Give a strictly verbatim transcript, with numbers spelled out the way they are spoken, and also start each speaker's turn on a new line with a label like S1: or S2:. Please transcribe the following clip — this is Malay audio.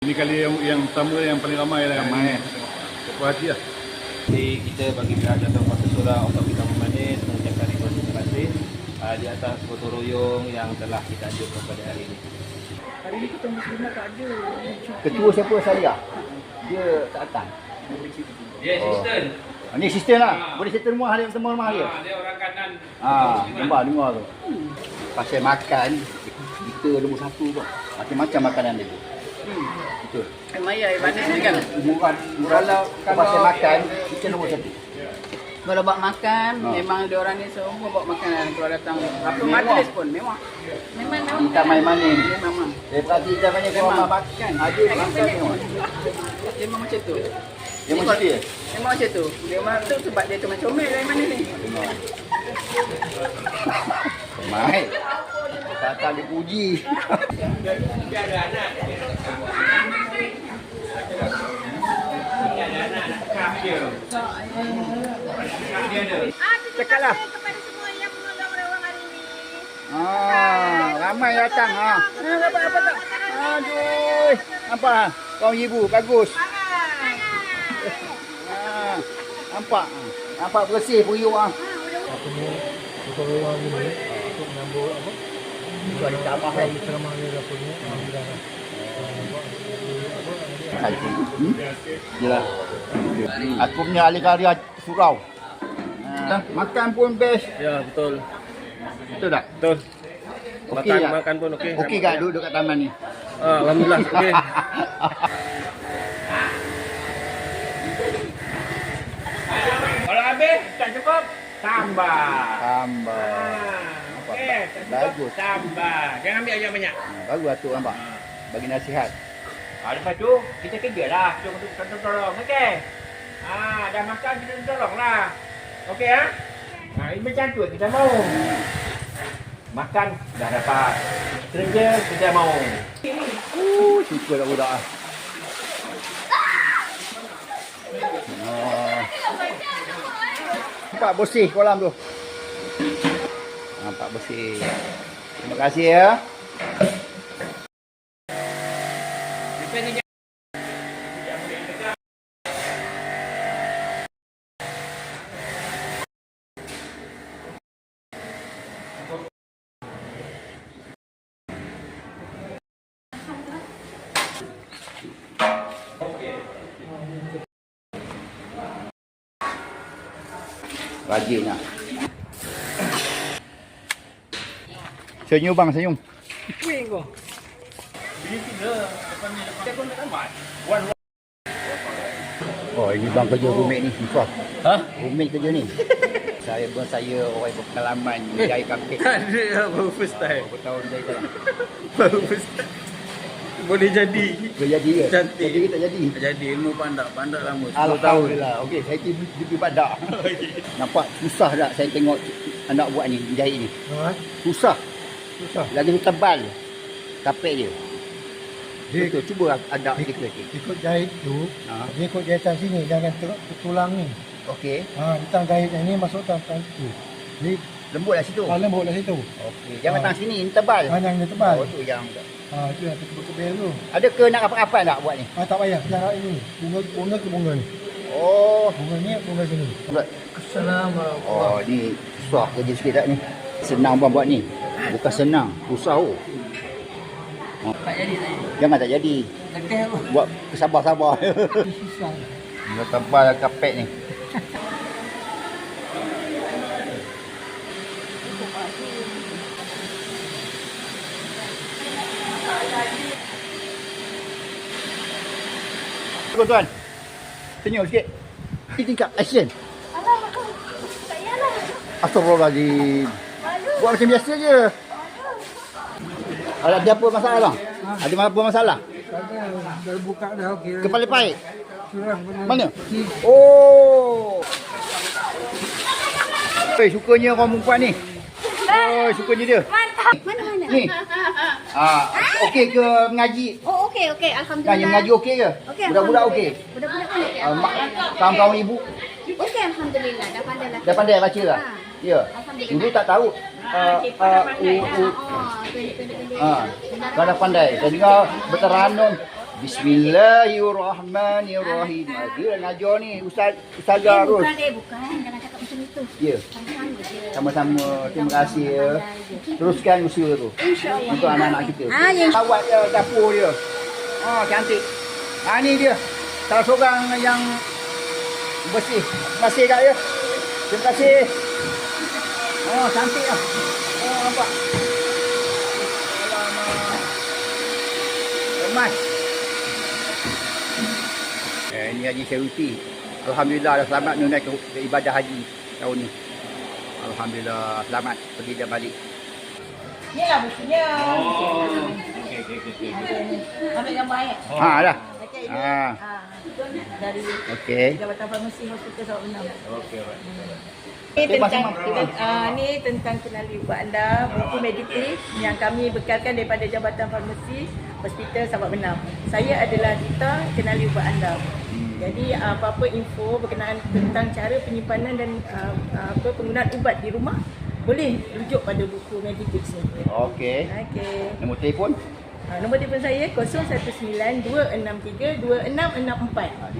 S1: Ini kali yang, yang pertama yang paling ramai lah.
S2: Ramai.
S1: Puas hati lah.
S3: Jadi kita bagi pihak Jatuh Kuasa Surau untuk kita Manis mengucapkan terima kasih uh, di atas gotong royong yang telah kita anjurkan pada hari ini.
S4: Hari ni kita Muslimah tak ada.
S2: Ketua siapa Saria? Dia tak datang.
S3: Dia asisten.
S2: Oh. Ni asisten lah. Boleh settle rumah dia, semua rumah dia.
S3: Dia orang kanan.
S2: Ah, dengar dengar tu. Pasal makan kita nombor satu tu. Macam-macam makanan dia tu.
S4: Hmm.
S2: Betul.
S4: Eh, Maya, eh, mana ni kan?
S2: Murah, murah
S4: Kalau-
S2: kalau pasal makan kita nombor satu.
S4: Kalau buat makan,
S2: Ha.
S4: memang dia orang ni semua buat makanan. Kalau datang apa
S2: Mewah.
S4: majlis pun mewah. Memang mewah.
S2: Kita main mana ni?
S4: Memang memang.
S2: Dia perhati kita banyak
S4: Memang.
S2: orang makan. Ada
S4: Kan
S2: makan
S4: banyak.
S2: semua.
S4: Memang macam tu.
S2: Dia macam dia.
S4: Memang macam tu. Dia memang tu sebab dia tu macam comel dari mana ni.
S2: Mai. Datang dipuji. Cakaplah.
S5: Kepada semua yang menonton Rewang hari ini.
S2: Ah, ramai datang ah. Ha, dapat dapat tak? Aduh. Nampak ah? Kau ibu bagus. Ah, nampak. Nampak bersih periuk ah.
S6: Apa ni gotong royong hari ni untuk menyambut apa?
S2: Itu ada tambah lagi.
S6: Ceramah dia apa ni? Alhamdulillah.
S2: Haji. Hmm? Yalah. Aku punya ahli karya surau. Ha, makan pun best.
S3: Ya, betul.
S2: Betul tak?
S3: Betul.
S2: Okey
S3: Makan
S2: tak?
S3: makan pun okey.
S2: Okey tak duduk kat taman ni?
S3: Ah, alhamdulillah okey. Kalau habis tak cukup, tambah.
S2: Tambah.
S3: Ah, okey, tak cukup,
S2: Bagus.
S3: tambah. Jangan ambil yang banyak.
S2: Ha, bagus Atuk nampak. Bagi nasihat.
S3: Ah, lepas tu kita kerja lah. Kita untuk tolong, okey. Ah, dah makan kita tolong lah. Okey ah? Ha, ini macam tu kita mau. Makan dah dapat. Kerja kita mau.
S2: Uh, suka tak budak ah. Oh. Nampak bersih kolam tu. Nampak bersih. Terima kasih ya. Rajin lah. Senyum bang, senyum.
S4: Kuih kau.
S2: Oh, ini bang kerja roommate ni. Susah.
S3: Ha?
S2: Roommate kerja ni. Saya pun saya orang berpengalaman menjahit kapit.
S3: Ada baru first time.
S2: Berapa tahun jahit tak?
S3: Baru first time. Boleh jadi.
S2: Boleh jadi ke?
S3: Cantik.
S2: Jadi ke tak jadi?
S3: Tak jadi ilmu pandak, pandak lama sepuluh tahun.
S2: Alhamdulillah. Okey, saya pergi pergi badak. Nampak susah tak saya tengok anak buat ni, jahit ni.
S6: Ha?
S2: Susah.
S6: Susah.
S2: Lagi tebal kapit dia.
S6: Dia
S2: Betul, cuba ada
S6: ikut,
S2: sikit.
S6: ikut jahit tu,
S2: Ha.
S6: dia ikut jahitan sini, jangan ter, tulang ni.
S2: Okey.
S6: Ha, tang jahit yang ni masuk tang tang tu. Jadi
S2: Lembut lah situ.
S6: ha, lembut lah situ.
S2: Okey. Jangan
S6: Ha.
S2: tang sini, ini tebal.
S6: Ha, yang dia tebal.
S2: Oh, tu yang.
S6: Ha, tu yang kebel tu.
S2: Ada ke nak apa-apa tak buat ni?
S6: Ha, tak payah, jarak ini. Bunga bunga ke bunga ni.
S2: Oh.
S6: Bunga ni, bunga sini. Assalamualaikum.
S2: Oh, ni susah kerja sikit tak ni? Senang bang buat ni. Bukan senang, susah oh. Oh.
S4: Tak jadi tak jadi.
S2: Jangan tak jadi.
S4: Lekeh pun.
S2: Buat kesabar-sabar.
S6: Susah.
S2: Dia tebal kapet ni. Tuan-tuan. Senyum sikit. Ini tingkap action.
S5: Alah, tak payahlah.
S2: Astagfirullahaladzim.
S5: Malu.
S2: Buat macam biasa je. Ada ada apa masalah bang? Ada apa masalah?
S6: Ada, dah buka dah okey.
S2: Kepala pahit.
S6: Curang benar.
S2: Mana? Oh. Eh, sukanya orang perempuan ni. Oh, sukanya dia.
S5: Mantap. Mana-mana?
S2: Ni. Ah, okey ke mengaji?
S5: Oh, okey, okey.
S2: Tanya
S5: Alhamdulillah.
S2: mengaji okey ke?
S5: Okey,
S2: Budak-budak okey?
S5: Alhamdulillah. Budak-budak pun okey.
S2: Ah, mak, kawan-kawan ibu
S5: Okey, Alhamdulillah. Dah pandai lah.
S2: dah pandai baca tak?
S5: Ha.
S2: Ya.
S5: Alhamdulillah.
S2: Dulu tak tahu. Ah, ah, u, u,
S5: Oh, pendek-pendek.
S2: ah, kau dah pandai. Saya dengar berteranum Bismillahirrahmanirrahim. Ah, dia ngajar ni Ustaz Ustazah Ros.
S5: Bukan eh, bukan. Jangan cakap macam itu.
S2: Ya.
S5: Sama-sama je.
S2: Sama-sama. Terima kasih ya. Teruskan usaha tu.
S5: InsyaAllah.
S2: Untuk anak-anak kita.
S5: Ah, ya.
S2: Awat dia dapur dia. Oh, cantik. Ha ni dia. Salah seorang yang bersih. Terima kasih kak ya. Terima kasih. Oh, cantik lah. Oh, nampak. Alamak. Emas. Eh, ini Haji Syarify. Alhamdulillah dah selamat menunaikan ke, ke ibadah haji tahun ni. Alhamdulillah selamat pergi dan balik.
S4: Ni lah bukunya.
S3: Oh. Okey okey okey.
S4: Ambil gambar eh.
S2: Ha dah.
S4: Okey, ini.
S2: Ha.
S4: Ha, dari
S2: Okey.
S4: Jabatan Farmasi Hospital Sarawak Benam.
S3: Okey alright.
S4: Ini
S2: Okey,
S4: tentang
S2: masing-masing.
S4: kita uh, ni tentang kenali ubat anda, buku mediktif yang kami bekalkan daripada Jabatan Farmasi Hospital Sarawak Benam. Saya adalah Rita, kenali ubat anda. Jadi uh, apa-apa info berkenaan tentang cara penyimpanan dan uh, uh, apa penggunaan ubat di rumah boleh rujuk pada buku mediktif ni.
S2: Okey.
S4: Okey.
S2: Nombor telefon?
S4: Uh, nombor telefon saya kosong satu sembilan dua enam tiga dua enam enam empat.